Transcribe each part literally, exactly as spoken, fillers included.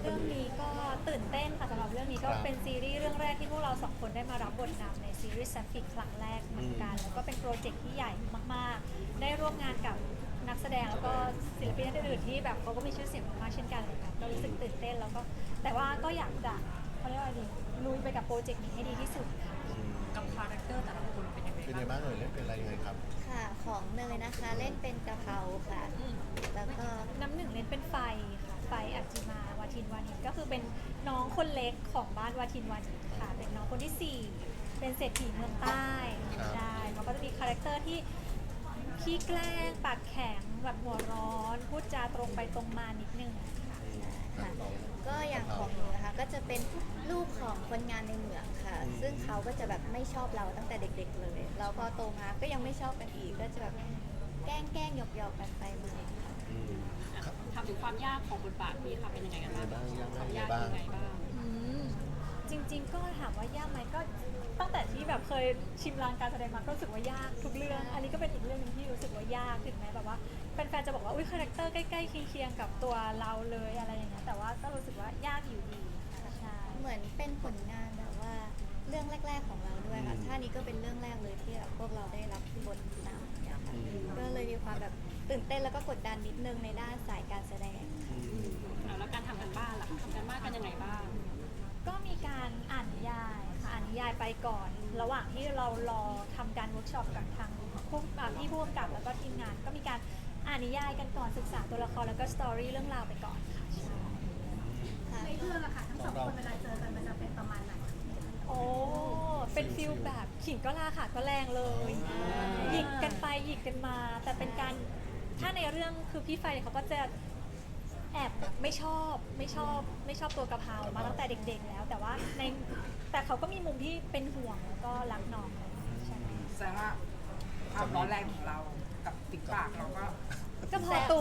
เรื่องนี้ก็ตื่นเต้นค่ะสำหรับเรื่องนี้ก็เป็นซีรีส์เรื่องแรกที่พวกเราสองคนได้มารับบทนำในซีรีส์แซฟฟิกครั้งแรกเหมือนกันแล้วก็เป็นโปรเจกต์ที่ใหญ่มากๆได้ร่วมงานกับนักแสดงแล้วก็ศิลปินท่านอื่นๆที่แบบเขาก็มีชื่อเสียงมากๆเช่นกันเลยค่ะก็รู้สึกตื่นเต้นแล้วก็แต่ว่าก็อยากจะเขาเรียกว่าอะไรดีลุยไปกับโปรเจกต์นี้ให้ดีที่สุดค่ะกับคาแรคเตอร์แต่ละคนเป็นยังไงเป็นไงบ้างบ้างเลยเล่นเป็นอะไรยังไงครับค่ะของเนยนะคะเล่นเป็นกะเพราค่ะอืมแล้วก็น้ำหนึ่งเล่นเป็นไฟค่ะไฟอัจจิมาวาทินวานิชก็คือเป็นน้องคนเล็กของบ้านวาทินวานิชค่ะเป็นน้องคนที่สี่เป็นเศรษฐีเมืองใต้ครับใช่มันก็จะมีคาแรคเตอร์ที่ขี้แกล้งปากแข็งแบบหัวร้อนพูดจาตรงไปตรงมานิดนึงค่ะค่ะก็อย่างของหนูนะคะก็จะเป็นลูกของคนงานในเมืองค่ะ ซึ่งเขาก็จะแบบไม่ชอบเราตั้งแต่เด็กๆเลยแล้วพอโตมาก็ยังไม่ชอบกันอีกก็จะแบบแกล้งแกล้งหยอกหยอกๆกันไปมาค่ะอืมครับทำถึงความยากของบทบาทนี้ค่ะเป็นยังไงกันบ้างเป็นยังไงบ้างความยากยังยังไงไงบ้างบ้างอืมจริงๆก็ถามว่ายากไหมก็ตั้งแต่ที่แบบเคยชิมลางการแสดงมาก็รู้สึกว่ายากทุกเรื่อง อันนี้ก็เป็นอีกเรื่องหนึงที่รู้สึกว่ายากถึงแม้แบบว่าแฟนๆจะบอกว่าอุ้ยคาแรคเตอร์ใกล้ๆเคียงๆกับตัวเราเลยอะไรอย่างเงี้ยแต่ว่าก็รู้สึกว่ายากอยู่ดีค่ะใช่เหมือนเป็นผลงานแบบว่าเรื่องแรก ๆของเราด้วยค่ะอืมท่านี้ก็เป็นเรื่องแรกเลยที่แบบพวกเราได้รับบทนำเนี่ยค่ะอืมก็เลยมีความแบบตื่นเต้นแล้วก็กดดันนิดนึงในด้านสายการแสดงอืมอ่ะแล้วการทำกันบ้านล่ะทำกันบ้านกันยังไงบ้างก็มีการอ่านนิยายค่ะอ่านนิยายไปก่อน ระหว่างที่เรารอทำการเวิร์กช็อปกับทางผู้อ่าพี่ผู้กำกับแล้วก็ทีมงาน ก็มีการอ่านนิยายกันก่อนศึกษาตัวละครแล้วก็สตอรี่เรื่องราวไปก่อนค่ะใช่ค่ะในเรื่องอะค่ะทั้งสองคนเวลาเจอกันมันจะเป็นประมาณไหนโอ้เป็นฟิลแบบขิงก็ลาค่ะก็แรงเลยหยิกกันไปหยิกกันมา แต่เป็นการถ้าในเรื่องคือพี่ไฟเขาก็จะแอบแบบไม่ชอบไม่ชอบไม่ชอบตัวกะเพรามาตั้งแต่เด็กๆแล้ว แต่ว่าในแต่เขาก็มีมุมที่เป็นห่วงแล้วก็รักน้องใช่แสดงว่าความร้อนแรงของเรากับติ๊กปากเราก็ก็พอตัว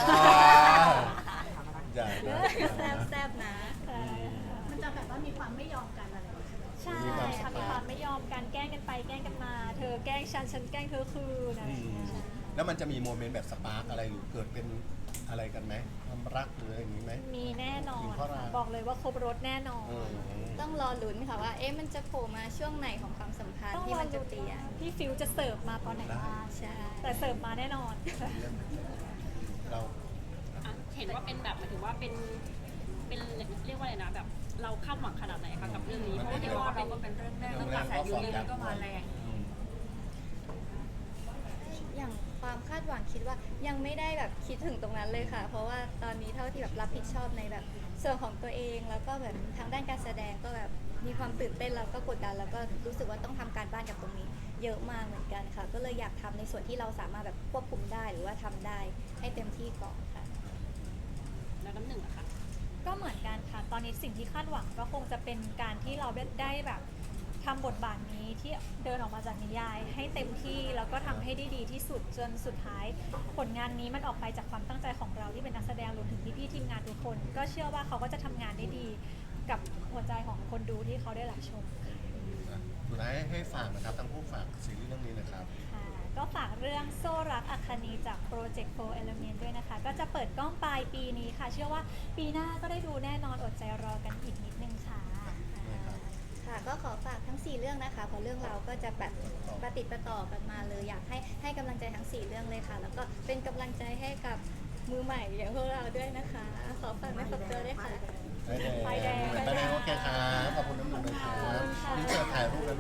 อย่านะแซบแซบๆนะมันจะแบบว่ามีความไม่ยอมกันอะไรอย่างเงี้ยใช่ค่ะมีความไม่ยอมกันแกล้งกันไปแกล้งกันมา เธอแกล้งฉันฉันแกล้งเธอคืนอะไรอือย่างมเงี้ยแล้วมันจะมีโมเมนต์แบบสปาร์กอะไรหรือเกิดเป็นอะไรกันไหมความรักหรืออะไรอย่างนี้ไหมมีแน่นอนมีข้อรัค่ะกบอกเลยว่าครบรถแน่นอนอืมต้องรอลุ้นค่ะว่า เอ๊ะมันจะโผล่มาช่วงไหนของความสัมพันธ์ต้องที่รอมันจะดูเปลี่ยนพี่ฟิวจะเสิร์ฟมาตอนไหนบ้างใช่แต่เสิร์ฟมาแน่นอนเราอ่ะเห็นว่าเป็นแบบหมายถึงว่าเป็นเป็นเรียกว่าอะไรนะแบบเราคาดหวังขนาดไหนคะกับเรื่องนี้เพราะว่าเรียกว่าเราก็เป็นเรื่องแรกโรแล้วงกแรระมแสก็ยูฟอร์มเรียยักก็ษ์มาแรงอืมอย่างความคาดหวังคิดว่ายังไม่ได้แบบคิดถึงตรงนั้นเลยค่ะ เพราะว่าตอนนี้เท่าที่แบบรับผิดชอบในแบบส่วนของตัวเอง แล้วก็แบบทางด้านการแสดงก็แบบมีความตื่นเต้นแล้วก็กดดันแล้วก็รู้สึกว่าต้องทำการบ้านกับตรงนี้ เยอะมากเหมือนกันค่ะ ก็เลยอยากทำในส่วนที่เราสามารถแบบควบคุมได้หรือว่าทำได้ให้เต็มที่ก่อนค่ะแล้วน้ำหนึ่งอะค่ะก็เหมือนกันค่ะ ตอนนี้สิ่งที่คาดหวังก็คงจะเป็นการที่เราได้แบบทำบทบาทนี้ที่เดินออกมาจากนิยาย ให้เต็มที่แล้วก็ทำให้ได้ดีที่สุดจนสุดท้าย ผลงานนี้มันออกไปจากความตั้งใจของเราที่เป็นนักแสดงรวมถึงพี่ๆทีมงานทุกคน ก็เชื่อว่าเขาก็จะทำงานได้ดีกับหัวใจของคนดูที่เขาได้รับชมค่ะสุดท้ายให้ฝากนะครับทั้งผู้ฝากซีรีส์เรื่องนี้นะครับค่ะก็ฝากเรื่องโซ่รักอัคคณีจากโปรเจกต์โฟร์ Element ด้วยนะคะ ก็จะเปิดกล้องปลายปีนี้ค่ะ เชื่อว่าปีหน้าก็ได้ดูแน่นอนอดใจรอกันอีกนิดนึงค่ะค่ะก็ขอฝากทั้ง สี่ เรื่องนะคะ เพราะเรื่องเราก็จะแบบประติดประต่อกันมาเลย อยากให้ให้กำลังใจทั้ง สี่ เรื่องเลยค่ะ แล้วก็เป็นกำลังใจให้กับมือใหม่อย่างพวกเราด้วยนะคะ ขอฝากไม่ฝากตัวด้วยค่ะไฟแดงไฟแดงไฟแดงโอเคครับ ขอบคุณน้ำหนึ่งนะครับขอบคุณค่ะนี่เจอถ่ายรูปแล้ว